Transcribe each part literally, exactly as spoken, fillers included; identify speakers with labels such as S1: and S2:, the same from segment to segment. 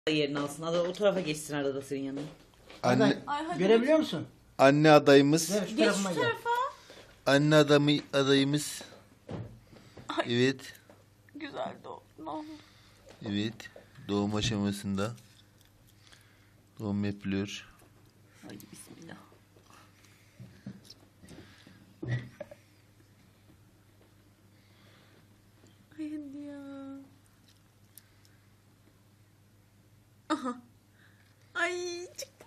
S1: yerini alsın. Ada o tarafa geçsin arada senin yanına.
S2: Anne,
S3: Ay,
S4: Ay,
S3: görebiliyor musun?
S2: anne adayımız.
S3: Gel şu
S4: Geç
S3: tarafıma
S4: şu
S3: gel.
S4: tarafa.
S2: Anne adamı adayımız.
S4: Ay.
S2: Evet.
S4: Güzel doğum. Ne oldu?
S2: Evet. Doğum aşamasında. Doğum yapılıyor.
S1: Hadi bismillah.
S4: Ay hadi ya. Aha. Ay çıktı.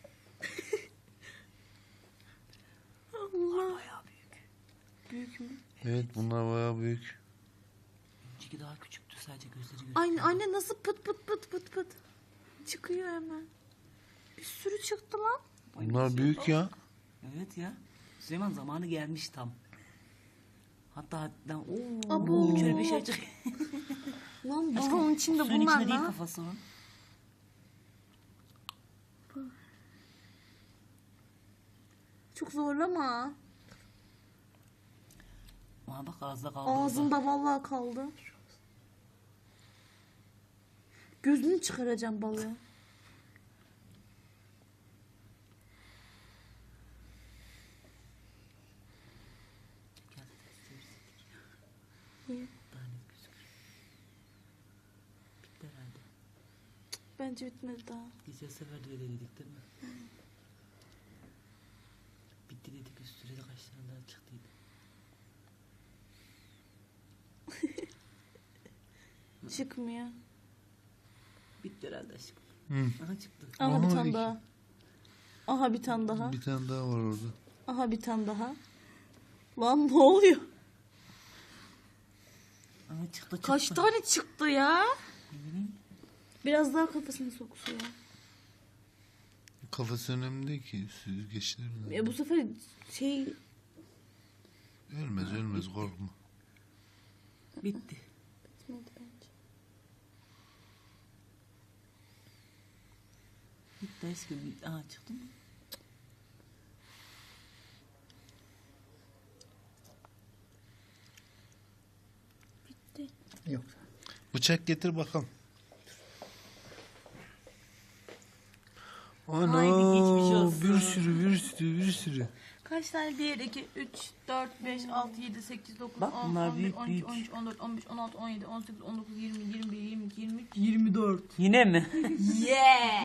S4: Allah.
S1: Bayağı büyük.
S4: Büyük mü?
S2: Evet, bunlar bayağı büyük.
S1: Önceki daha küçüktü, sadece gözleri gözüküyor.
S4: Anne, anne nasıl pıt pıt pıt pıt pıt. Çıkıyor hemen. Bir sürü çıktı lan.
S2: Bunlar büyük ya.
S1: Evet ya. Süleyman zamanı gelmiş tam. Hatta hatta ooo.
S4: Abo.
S1: Şöyle bir şey çık.
S4: Lan bunun içinde
S1: Suyun
S4: bunlar
S1: içinde değil
S4: lan.
S1: kafası onun.
S4: Çok zorlama.
S1: Aa bak ağızda kaldı. orada.
S4: Ağzında vallahi kaldı. Gözünü çıkaracağım balığı. Niye?
S1: Daha net gözüküyor. Bitti herhalde.
S4: Bence bitmedi daha.
S1: Geçen sefer de öyle dedik değil mi? Bitti dedik, üstüne de kaç tane daha çıktıydı.
S4: Çıkmıyor.
S1: Bitti herhalde aşkım.
S2: Hı.
S1: Aha çıktı.
S4: Aha bir
S2: Aha,
S4: tane
S2: iki.
S4: daha. Aha bir tane daha.
S2: Bir tane daha var orada.
S4: Aha bir tane daha. Lan ne oluyor?
S1: Aha çıktı çıktı.
S4: Kaç tane çıktı ya?
S1: Ne bileyim.
S4: Biraz daha kafasını soksuyor.
S2: Kafası önemli değil ki. Süzgeçlerin.
S4: E bu sefer şey
S2: Ölmez ölmez, korkma.
S1: Bitti.
S4: bitmedi bence.
S1: Bitti aşkım. Bitti. Aha çıktı mı?
S4: Bitti.
S3: Yok.
S2: Bıçak getir bakalım. Ana,
S1: Haydi geçmiş olsun.
S2: bir sürü bir sürü bir sürü.
S4: Kaç tane? bir, iki, üç, dört, beş, altı, yedi, sekiz, dokuz,
S1: Bak
S4: on,
S1: bunlar
S4: on bir,
S1: büyük,
S4: on iki,
S1: büyük.
S4: on üç, on dört, on beş, on altı, on yedi, on sekiz, on dokuz, yirmi, yirmi bir, yirmi iki, yirmi üç, yirmi dört.
S1: Yine mi?
S4: Yeah!